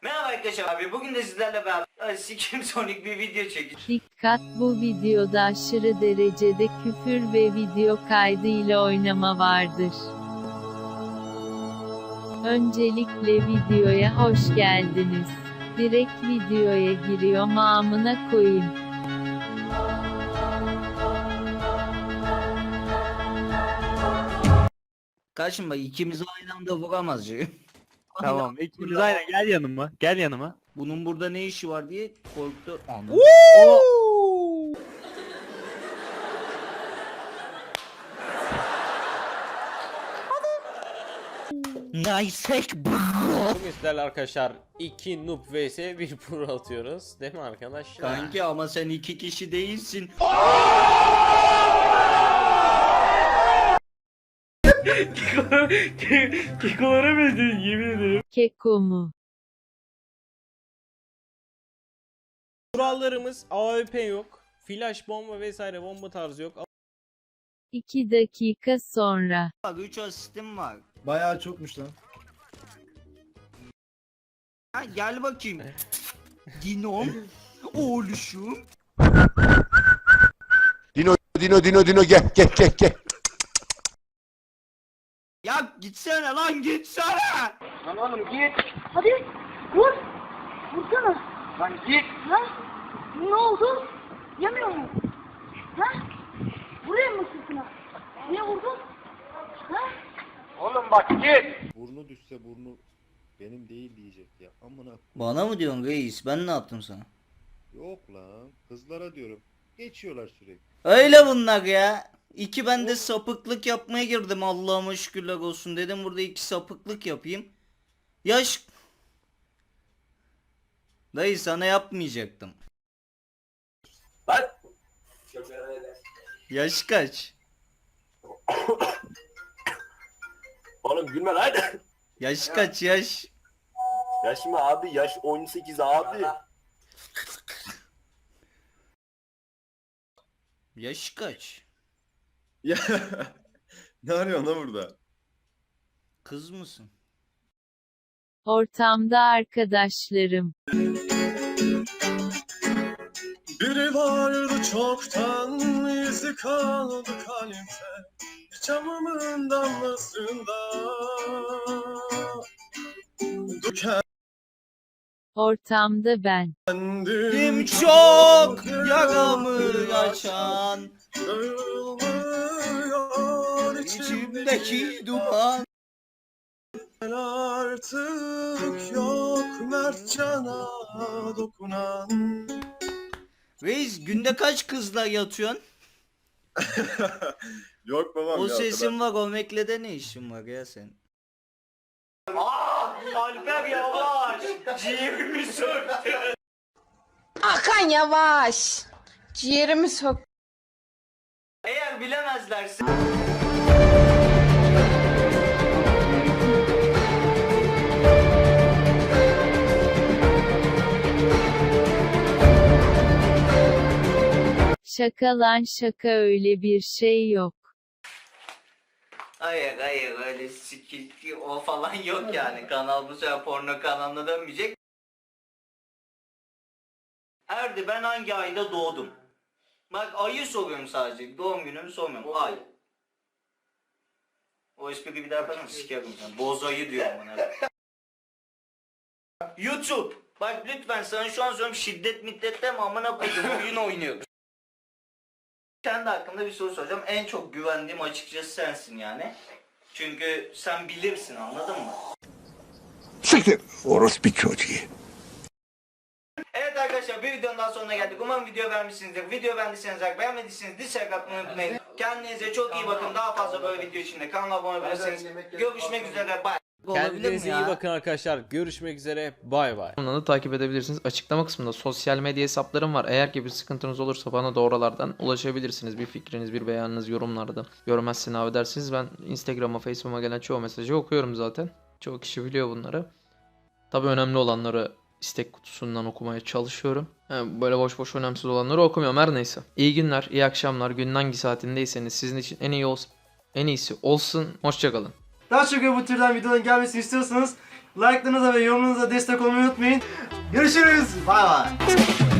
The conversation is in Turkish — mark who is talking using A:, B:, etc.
A: Merhaba arkadaşlar abi, bugün de sizlerle beraber Sikim Sonic bir video çekeceğiz.
B: Dikkat, bu videoda aşırı derecede küfür ve video kaydı ile oynama vardır. Öncelikle videoya hoş geldiniz. Direkt videoya giriyorum, amına koyayım.
A: Karşım bak, ikimizi aynı anda vuramaz ya.
C: Tamam, ikimiz aynen, gel yanıma. Gel yanıma.
A: Bunun burada ne işi var diye korktu. Anladım. Nice bro.
D: Bugün sizlerle arkadaşlar 2 noob vs 1 pro atıyoruz. Değil mi arkadaşlar?
A: Kanki ama sen iki kişi değilsin.
C: Kekolara benzedin, yemin ederim.
B: Keko mu?
D: Kurallarımız AWP yok. Flash bomba vesaire bomba tarzı yok.
B: 2 dakika sonra.
A: Bak 3 asistim var.
E: Bayağı çokmuş lan.
A: Ha, gel bakayım. Dinom. Oğluşum.
F: Dino gel.
A: Ya gitsene lan, gitsene.
G: Hadi vur. Vursana. Lan git. Ha? Ne oldu? Yemiyor mu? Ha? Vurayım mı sırtına? Niye vurdun? Ha?
F: Burnu düşse burnu benim değil diyecek ya. Amına
A: Bana mı diyorsun reis? Ben ne yaptım sana?
F: yok lan. Kızlara diyorum. Geçiyorlar sürekli.
A: Öyle bunlar ya. İki, ben de sapıklık yapmaya girdim, Allah'ıma şükürler olsun dedim, burada iki sapıklık yapayım. Yaş... Dayı sana yapmayacaktım. Bak. Yaş kaç?
H: Oğlum gülme lan.
A: Yaş kaç yaş?
H: Yaş mı abi? Yaş 18 abi.
A: Yaş kaç?
E: Ya ne arıyorsun lan burada?
A: Kız mısın?
B: Ortamda arkadaşlarım.
E: Biri vardı çoktan, izi kaldı kalpte, camımın damlasında.
B: Ortamda ben.
A: Kim çok yaramı açan,
E: Dağılmıyor
A: içimdeki duman.
E: Artık yok Mertcan'a dokunan.
A: Reis, günde kaç kızla yatıyorsun?
E: Yok babam
A: O
E: ya,
A: sesin var, o meklede ne işin var ya sen? Alper yavaş! Ciğerimi söktü!
I: Hakan yavaş. Ciğerimi sok.
A: Eğer bilemezlerse...
B: Şaka lan şaka, öyle bir şey yok.
A: Hayır öyle sikilti o falan yok yani. Kanal bu sefer porno kanalına dönmeyecek. Erdi, ben hangi ayda doğdum? Bak, ayı soruyorum sadece. Doğum günümü sormuyorum. Ay. O espriyi bir daha yaparım, sikerim sen. Boz ayı diyorum bana. YouTube. Bak lütfen sana şu an söylüyorum, şiddet middette mi amına koydum, oyun oynuyoruz. Kendi hakkında bir soru soracağım. En çok güvendiğim açıkçası sensin yani. Çünkü sen bilirsin, anladın mı?
F: Siktir. Orospu çocuğu.
A: Evet arkadaşlar, bir videonun daha sonuna geldik. Umarım video beğenmişsinizdir. Video beğendiyseniz like, beğenmediyseniz dislike atmayı unutmayın. Kendinize çok iyi bakın. Daha fazla böyle video için de kanala abone olabilirsiniz. Görüşmek üzere. Bye.
D: Kendinize iyi bakın arkadaşlar. Görüşmek üzere. Bay bay.
J: Kanalını takip edebilirsiniz. Açıklama kısmında sosyal medya hesaplarım var. Eğer ki bir sıkıntınız olursa bana da oralardan ulaşabilirsiniz. Bir fikriniz, bir beyanınız yorumlarda. Görmezsin abi dersiniz. Ben Instagram'a, Facebook'a gelen çoğu mesajı okuyorum zaten. Çoğu kişi biliyor bunları. Tabii önemli olanları istek kutusundan okumaya çalışıyorum. Yani böyle boş boş önemsiz olanları okumuyorum, her neyse. İyi günler, iyi akşamlar. Günün hangi saatindeyseniz sizin için en iyisi olsun. Hoşçakalın.
K: Daha çok bu türden videoların gelmesini istiyorsanız
E: Like'larınıza ve yorumlarınıza destek olmayı unutmayın. Görüşürüz. Bay bay.